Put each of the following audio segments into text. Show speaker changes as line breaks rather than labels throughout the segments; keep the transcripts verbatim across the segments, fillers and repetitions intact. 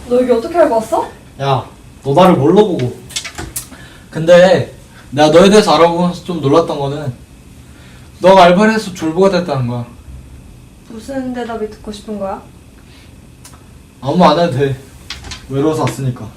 너 여기 어떻게 알고 왔어?
야, 너 나를 뭘로 보고? 근데 내가 너에 대해서 알아보면서 좀 놀랐던 거는 너가 알바를 해서 졸부가 됐다는 거야.
무슨 대답이 듣고 싶은 거야?
아무 말 안 해도 돼. 외로워서 왔으니까.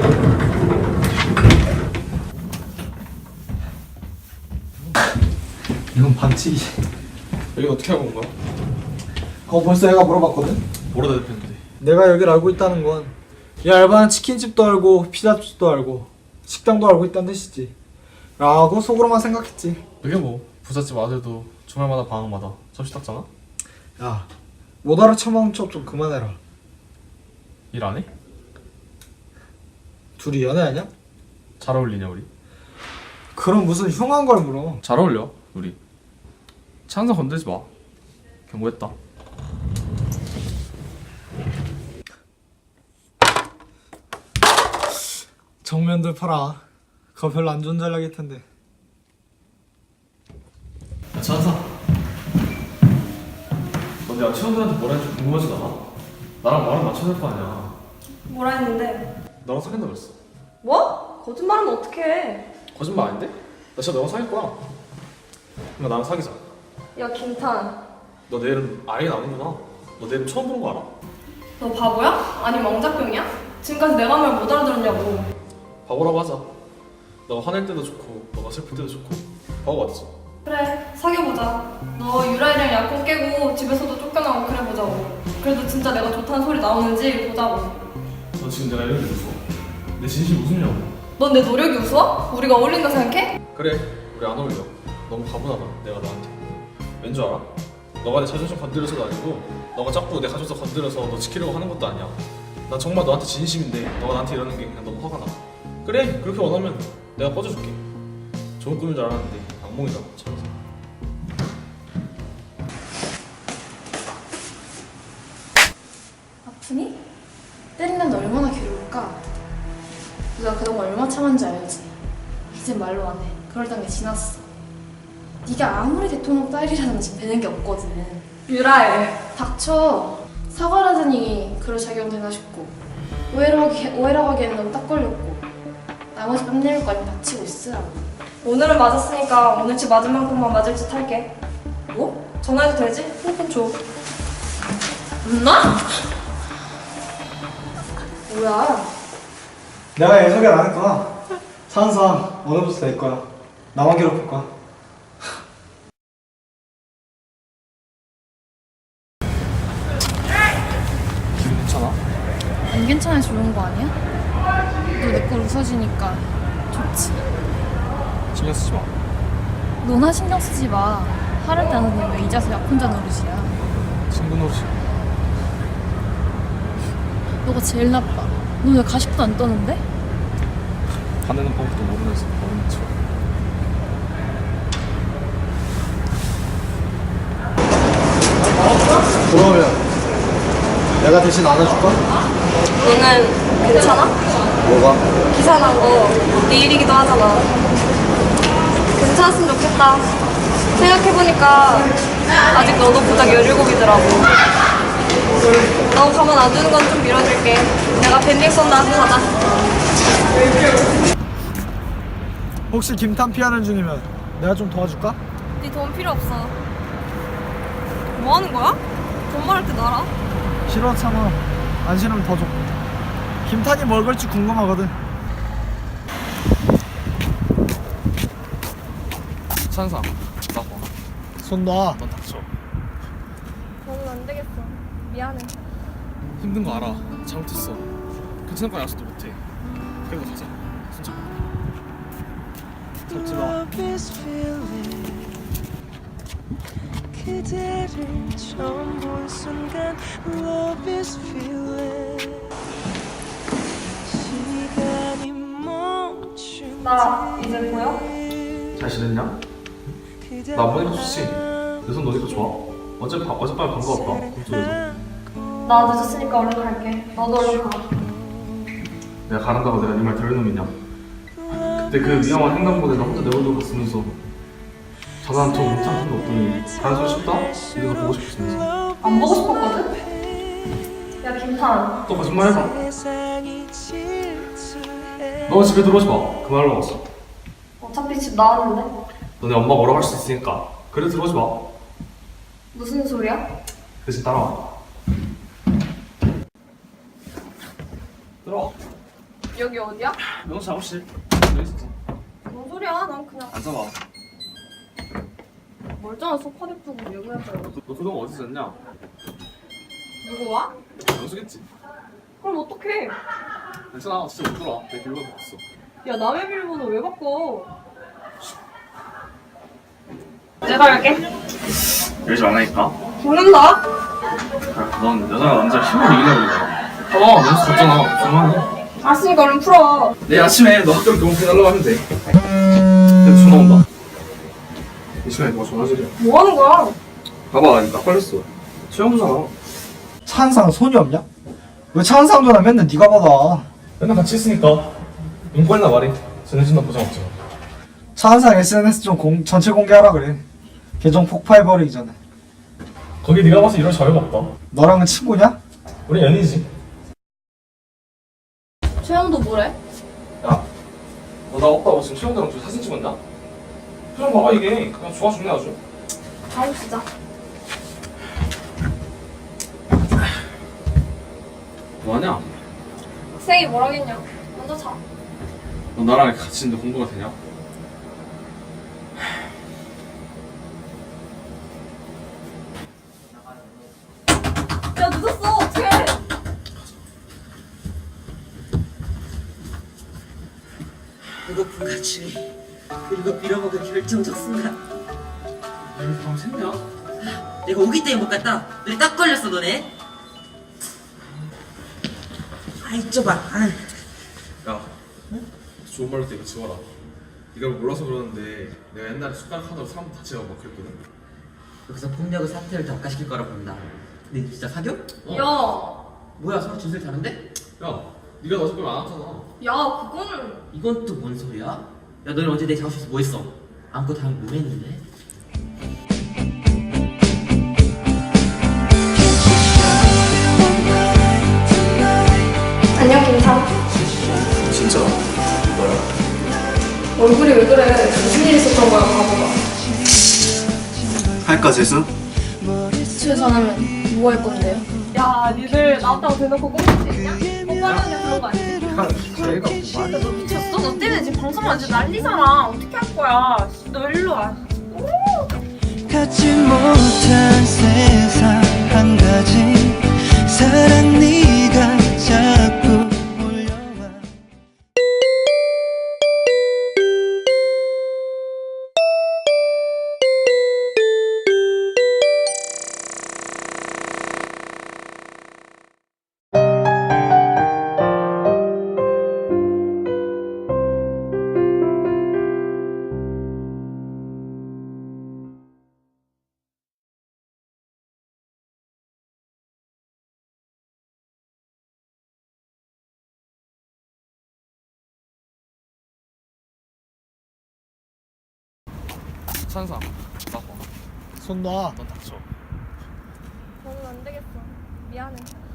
이건 반칙이지.
여기 어떻게 알고 온 거야?
그거 벌써 얘가 물어봤거든?
뭐라 대답했는데?
내가 여기를 알고 있다는 건 이 알바는 치킨집도 알고 피자집도 알고 식당도 알고 있다는 뜻이지 라고 속으로만 생각했지.
그게 뭐 부잣집 아들도 주말마다 방학마다 접시 닦잖아?
야, 못 알아쳐먹는 척 좀 그만해라.
일 안 해?
둘이 연애하냐?
잘 어울리냐 우리?
그럼 무슨 흉한 걸 물어.
잘 어울려 우리. 찬성 건들지 마. 경고했다.
정면들 팔아. 그거 별로 안 좋은 전략일 텐데.
야 찬성, 너 내가 친구들한테 뭐라 했는지 궁금하지도 않아? 나랑 말은 맞춰야 될 거 아니야.
뭐라 했는데?
너랑 사귄다 그랬어.
뭐? 거짓말하면 어떡해.
거짓말 아닌데? 나 진짜 너랑 사귈 거야. 그럼 나랑 사귀자.
야 김탄,
너 내 이름 아예 아는구나. 너 내 이름 처음 보는 거 알아?
너 바보야? 아니 왕자병이야? 지금까지 내가 말 못 알아들었냐고.
바보라고 하자. 너가 화낼 때도 좋고 너가 슬플 때도 좋고 바보 맞지?
그래, 사귀어보자. 너 유라이랑 약혼 깨고 집에서도 쫓겨나고 그래보자고. 그래도 진짜 내가 좋다는 소리 나오는지 보자고.
너 지금 내가 이런 게 웃어? 내 진심이 웃으냐고.
넌 내 노력이 우스워? 우리가 어울린다 생각해?
그래, 우리 안 어울려. 너무 가분하다 내가 너한테. 왠 줄 알아? 너가 내 자존심 건드려서도 아니고 너가 자꾸 내 가족서 건드려서 너 지키려고 하는 것도 아니야. 난 정말 너한테 진심인데 너가 나한테 이러는 게 그냥 너무 화가 나. 그래, 그렇게 원하면 내가 꺼져줄게. 좋은 꿈인 줄 알았는데 악몽이다. 참.
아프니? 때리는 너 얼마나 괴로울까? 네가 그동안 얼마 참았는지 알지? 이젠 말로 안 해. 그럴 단계 지났어. 네가 아무리 대통령 딸이라든지 되는 게 없거든.
유라이.
닥쳐. 사과라더니 그럴 자격은 되나 싶고 오해라고, 하기, 오해라고 하기에는 너무 딱 걸렸고 나머지 뺨내밀 거 아니면 다치고 있으라고.
오늘은 맞았으니까 오늘치 맞은 만큼만 맞을 짓 할게.
뭐?
전화해도 되지? 핸드폰 줘.
엄마? 뭐야?
내가 얘 소개를 안 할 거야. 찬성 오늘부터 될 거야. 나만 괴롭힐 거야.
기분 괜찮아?
안 괜찮아 좋은 거 아니야? 너 내 걸 웃어주니까 좋지.
신경 쓰지 마.
너나 신경 쓰지 마. 하를 때는 왜 이자서 약 혼자 노릇이야.
친구 노릇이.
너가 제일 나빠. 너 왜 가식도 안 떠는데?
화내는 방법도 모르면서 모르는 척.
그러면 내가 대신 안아줄까?
너는 괜찮아?
뭐가?
기사 난 거 네 일이기도 하잖아. 괜찮았으면 좋겠다. 생각해보니까 아직 너도 부작 열일곱이더라고. 너 가만 안 두는 건 좀 밀어줄게. 내가 밴딩 쏜다. 가자.
혹시 김탄 피하는 중이면 내가 좀 도와줄까?
네 돈 필요 없어. 뭐 하는 거야? 돈 말할 때 나라.
싫어 참아. 안 싫으면 더 줘. 김탄이 뭘 걸지 궁금하거든.
찬상, 나 봐.
손 놔.
넌 닥쳐.
너는 안 되겠어. 미안해.
힘든 거 알아. 잘못했어. 괜찮을 거 약속도 못해. 그래도 가자. 진짜.
잡지 마.
그대를 처음 본 순간 Love is feeling 시간이 멈춘
나 이제 보여?
잘 지냈냐? 나 안 보니까 좋지. 내 손 노니까 좋아. 어제 바, 어젯밤에 방금 왔다. 꿈속에서.
나 늦었으니까 얼른 갈게. 너도 얼른 가.
내가 가란다고 내가 네 말 들을 놈이냐? 그때 그 위험한 횡단보도에 나 혼자 내버려 갔으면서 전화 한 통 문자 한 통 없더니 가는 소리 쉽다? 이래서 보고 싶었으면서.
안 보고 싶었거든? 야 중탄.
또 거짓말 해봐.
세상이 질투해.
너 집에 들어오지 마. 그 말로 왔어.
어차피 집 나왔는데.
너네 엄마 뭐라고 할 수 있으니까. 그래 들어오지 마.
무슨 소리야?
대신 따라와. 들어와.
여기 어디야?
명수 작업실. 여기 있었어.
뭔 소리야? 난 그냥
앉아봐.
멀쩡한 소파 냅두고 왜 그래?
너 그동안 어디서 잤냐?
누구 와?
명수겠지.
그럼 어떡해?
괜찮아. 진짜 못 들어와. 내 비밀번호 바꿨어.
야 남의 비밀번호 왜 바꿔? 내가 할게.
열지 말라니까.
죽는다?
넌 여자가 남자 힘을 이기려고 그래. 봐봐. 명수 잤잖아. 그만해.
알았으니까 얼른 풀어.
내일 아침에 너 학교로 교복해달라고 하면 돼. 내가 전화 온다. 이 시간에 누가 전화질이야?
뭐 하는 거야?
봐봐, 나 걸렸어. 최영수잖아.
차은상 손이 없냐? 왜 차은상 전화 맨날 네가 받아?
맨날 같이 있으니까. 인권이나 말이 전해준다 보장 없잖아.
차은상 에스엔에스 좀 공, 전체 공개하라 그래. 계정 폭파해버리기 전에.
거기 네가 봐서 이럴 자유가 없다.
너랑은 친구냐?
우리 연인이지.
최영도 뭐래?
야, 너 나 없다고 지금 최영대랑 둘이 사진 찍었냐? 표정 봐봐 이게 그냥 좋아 죽네 아주.
다음 시작.
뭐하냐?
학생이 뭐라겠냐? 먼저 자.
너 나랑 같이 있는데 공부가 되냐?
야 늦었어. 어떡해?
배고픔같이 그리고 빌어먹을 결정적 순간
왜 밤 샜냐?
내가 오기 때문에 못 갔다. 너네 딱 걸렸어 너네. 아이 좁아. 아,
야, 좋은 말로 때 이거 지워라. 네가 몰라서 그러는데 내가 옛날에 숟가락 하나로 사람 다치고 막 그랬거든.
여기서 폭력을 사태를 더 악화시킬 거라 본다. 근데 진짜 사겨?
야,
뭐야 서로 진술 다른데?
야, 네가 나 속으면 안 왔잖아.
야 그거는.
이건 또 뭔 소리야? 야 너는 어제 내 작업실에서 뭐 했어? 안고 다음에 뭐 했는데?
안녕 김상.
진짜?
얼굴이 왜 그래? 무슨 일 있었던 거야 바보가.
할까 재수?
집에 전화면 뭐 할 건데요?
야 니들 나왔다고 대놓고 꽁칠 수 있냐? 뽀뽀하느냐 그런 거 아니지?
제가
야, 너 미쳤어? 너 때문에 지금 방송 완전 난리잖아. 어떻게 할 거야? 씨, 너 일로 와.
갖지 못한 세상 한 가지 사랑 네가 자꾸 몰려와.
찬상, 나 봐.
손 놔.
넌 닥쳐.
저는 안 되겠어. 미안해.